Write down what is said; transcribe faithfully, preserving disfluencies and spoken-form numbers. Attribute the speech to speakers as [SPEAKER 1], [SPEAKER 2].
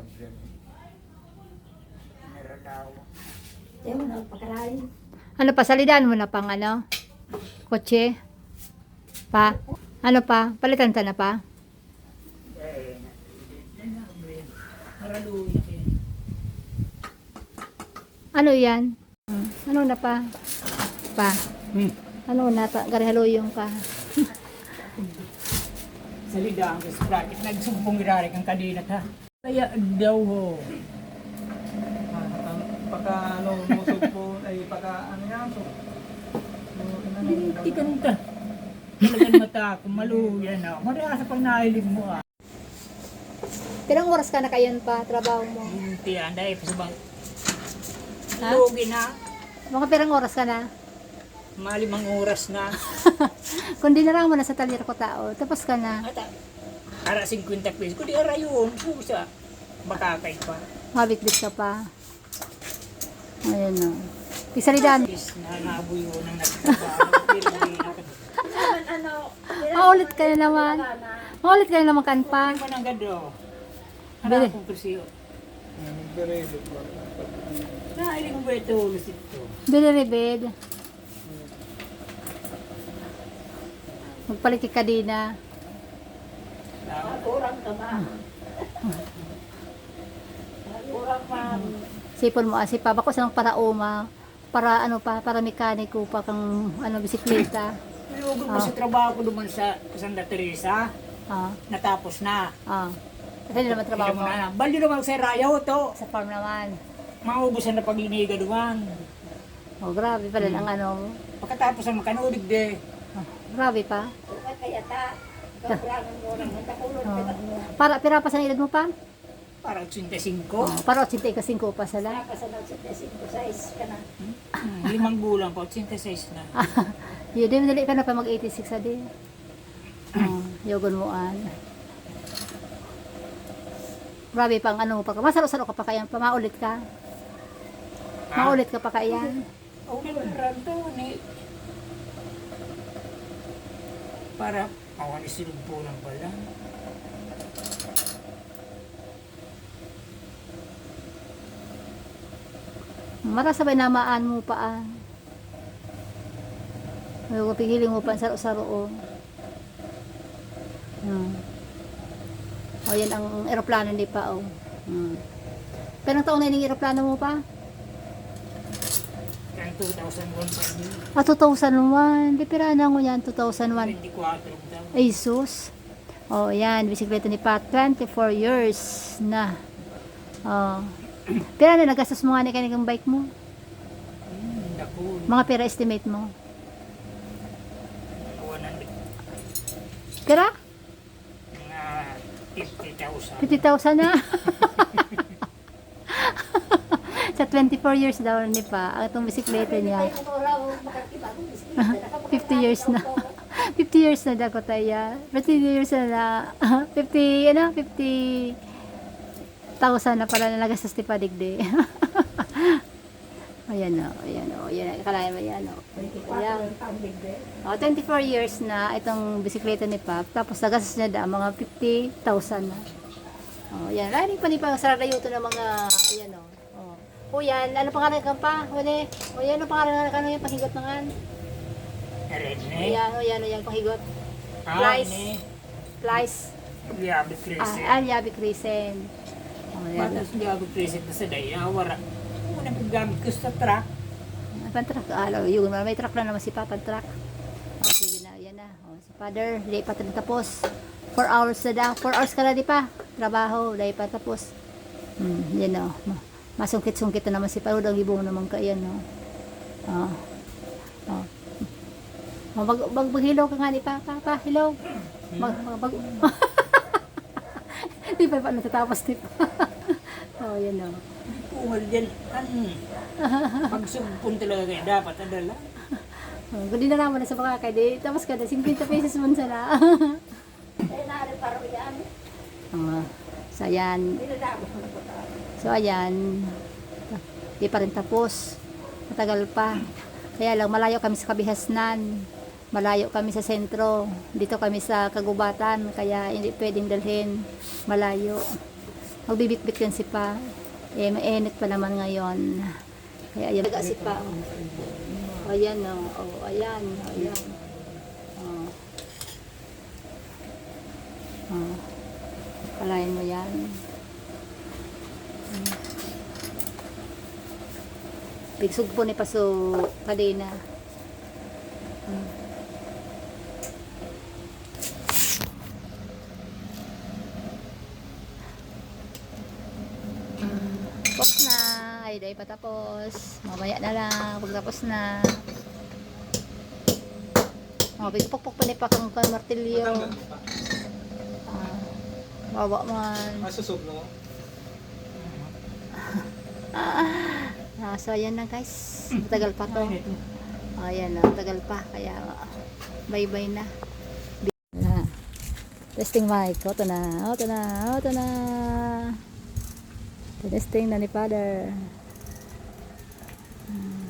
[SPEAKER 1] Ano pa, salidan mo na pang ano? Kotse? Pa? Ano pa? Palitan ta na pa? Ano yan? Hmm. Ano na pa? Pa?
[SPEAKER 2] Hmm.
[SPEAKER 1] Ano na pa? Garihaloyong ka.
[SPEAKER 2] Salida ang sprocket. Nagsumpong irarik ang kadinat ha. Kaya daw ho. Pagka ano, musog po, ay pagka ano yan, so. Hindi ka nung ta. Talagang mata ako, maluyan na. Marasa pang nahilig mo ah.
[SPEAKER 1] Pirang oras ka na kayan pa, trabaho mo?
[SPEAKER 2] Hindi, anday, pasabang.
[SPEAKER 1] Ha?
[SPEAKER 2] Lugi na.
[SPEAKER 1] Mga pirang oras ka na?
[SPEAKER 2] Malimang oras na.
[SPEAKER 1] Kung dinarang mo na sa talir ko tao, tapos ka na.
[SPEAKER 2] Ata, ara fifty pesos. Kung di ara yun, susa. Makakay pa.
[SPEAKER 1] Mabitbit ka pa. Ayan o. Pisalidan.
[SPEAKER 2] Is na nabuyo ng nagtrabaho.
[SPEAKER 1] Maulit ka na naman. Maulit ka na naman kan pa.
[SPEAKER 2] Ano man ang gado? Ano
[SPEAKER 1] Bili.
[SPEAKER 2] akong presyo? Nailig mo ba ito ulos ito?
[SPEAKER 1] Biliribid. Magpalit ka kadina.
[SPEAKER 2] Kurang ka ba? Kurang pa.
[SPEAKER 1] Sipon mo asip pa. Bako sa para uma. Para ano pa, para mekaniko pa kang ano, bisikleta.
[SPEAKER 2] Nilugod mo sa trabaho ko duman sa Santa Teresa.
[SPEAKER 1] Ah,
[SPEAKER 2] Natapos na.
[SPEAKER 1] ah. Kasi hindi naman trabaho
[SPEAKER 2] Hindi
[SPEAKER 1] mo.
[SPEAKER 2] mo na. Bali naman sa rayaw to.
[SPEAKER 1] Sa farm naman.
[SPEAKER 2] Maubusan na pag-iniga duman.
[SPEAKER 1] Oh, grabe pala ang ano.
[SPEAKER 2] Pagkatapos ang makanulig de.
[SPEAKER 1] Oh, grabe pa.
[SPEAKER 2] Kaya ta.
[SPEAKER 1] Oh. Para pira pa sa edad mo pa?
[SPEAKER 2] Para eighty-five.
[SPEAKER 1] Oh, para eighty-five pa sala.
[SPEAKER 2] Hmm, limang bulan pa, eighty-six na.
[SPEAKER 1] Yun din dali ka na pa mag eighty-six adi. Oh, yogon mo an. Grabe pang ano pa. Masaro-saro ka pa kaya pa maulit ka. Maulit ka pa kaya.
[SPEAKER 2] Okay, ranto ni. Para awan isilog po lang pala.
[SPEAKER 1] Marasabay namaan mo pa. Ay, pigiling mo pa ang saro-saro o. Hmm. O, yan ang aeroplano ni pa o. Hmm. Pero ang taon na yung aeroplano mo pa?
[SPEAKER 2] Kaya two thousand one pa yun.
[SPEAKER 1] Ah, two thousand one. Di pira na ko yan, two thousand one.
[SPEAKER 2] twenty-four daw.
[SPEAKER 1] Ay, sus. O, yan. Bisikleta ni Pat. twenty-four years na. O. Pira na nagastos mo nga ni kanilang bike mo?
[SPEAKER 2] Hmm, naku.
[SPEAKER 1] Mga pira estimate mo?
[SPEAKER 2] one hundred.
[SPEAKER 1] Pira?
[SPEAKER 2] Mga fifty thousand.
[SPEAKER 1] fifty thousand na. Sa twenty-four years daw ni pa, ang itong bisikleta niya. fifty years na. fifty years na daw ko tayo. fifty years na na. fifty, ano? fifty thousand na pala na nagastos ni Padigde. Ayan o, ayan o, ayan, kalaya mo yan o. Ayan. O, twenty-four years na itong bisikleta ni Pap, tapos nagastos niya da, mga fifty thousand na. O, ayan, riding pa ni Pap, sarayuto ng mga, ayan o. O, yan, ano pangalan ka pa? Huli, o yan, ano pangalan ka, ano yung pahigot ng an?
[SPEAKER 2] Red na.
[SPEAKER 1] Ayan, o yan, o yan, pahigot.
[SPEAKER 2] Ah,
[SPEAKER 1] Flies.
[SPEAKER 2] ni.
[SPEAKER 1] Flies.
[SPEAKER 2] Liabi Crescent.
[SPEAKER 1] Ah, Alyabi Crescent. O, yan.
[SPEAKER 2] Patas liabi Crescent na sa daya. Wara. Muna paggamit ko sa truck.
[SPEAKER 1] Pantruck, alo, yun, may truck na naman si Papa, truck. O, sige na, yan na. O, si Father, di pa rin tapos. four hours na daw. four hours ka na di pa. Trabaho, di pa tapos. Hmm, yan o. Masungkit-sungkit na naman si Parod, ang ibong naman ka yan, no? Oh. Oh. Oh, mag, mag, maghilaw ka nga ni Papa, pa, hilaw. Mag, mag, mag, di pa pa natatapos, di pa. Oh, yan, no?
[SPEAKER 2] Pumal dyan. Ano? Pagsugpon talaga kayo, dapat adala.
[SPEAKER 1] Oh, kung di na naman na sa bakakay, di, tapos ka na, fifty pesos mo sana.
[SPEAKER 3] Eh, nari paro yan.
[SPEAKER 1] Oh, so, ayan.
[SPEAKER 3] Dinadabos mo na po.
[SPEAKER 1] So, ayan. Di pa rin tapos. Matagal pa. Kaya lang, malayo kami sa Kabihasnan. Malayo kami sa sentro. Dito kami sa Kagubatan. Kaya hindi pwedeng dalhin. Malayo. Magbibit-bit yan si pa. Eh, mainit pa naman ngayon. Kaya ayan. Taga si pa. Oh. Ayan o. Oh. Oh, ayan. Ayan. Oh. Oh. Palayan mo yan. Hmm. Bigsug po ni Paso kadena. Hmm. Tapos na. Ay, dahil patapos. Mamaya na lang. Pagtapos na. Oh, pagpukpuk pa ni Pakang kang martilyo.
[SPEAKER 2] Matanggal mo pa.
[SPEAKER 1] Ah, bawa man.
[SPEAKER 2] Ah, susog mo?
[SPEAKER 1] Ah, so, ayan na guys. Matagal pa to.
[SPEAKER 2] Ay, ito.
[SPEAKER 1] Oh, ayan na. Matagal pa. Kaya, bye-bye na. Na. Testing mic. Ito na. Ito na. Ito na. Testing na ni Father. Hmm.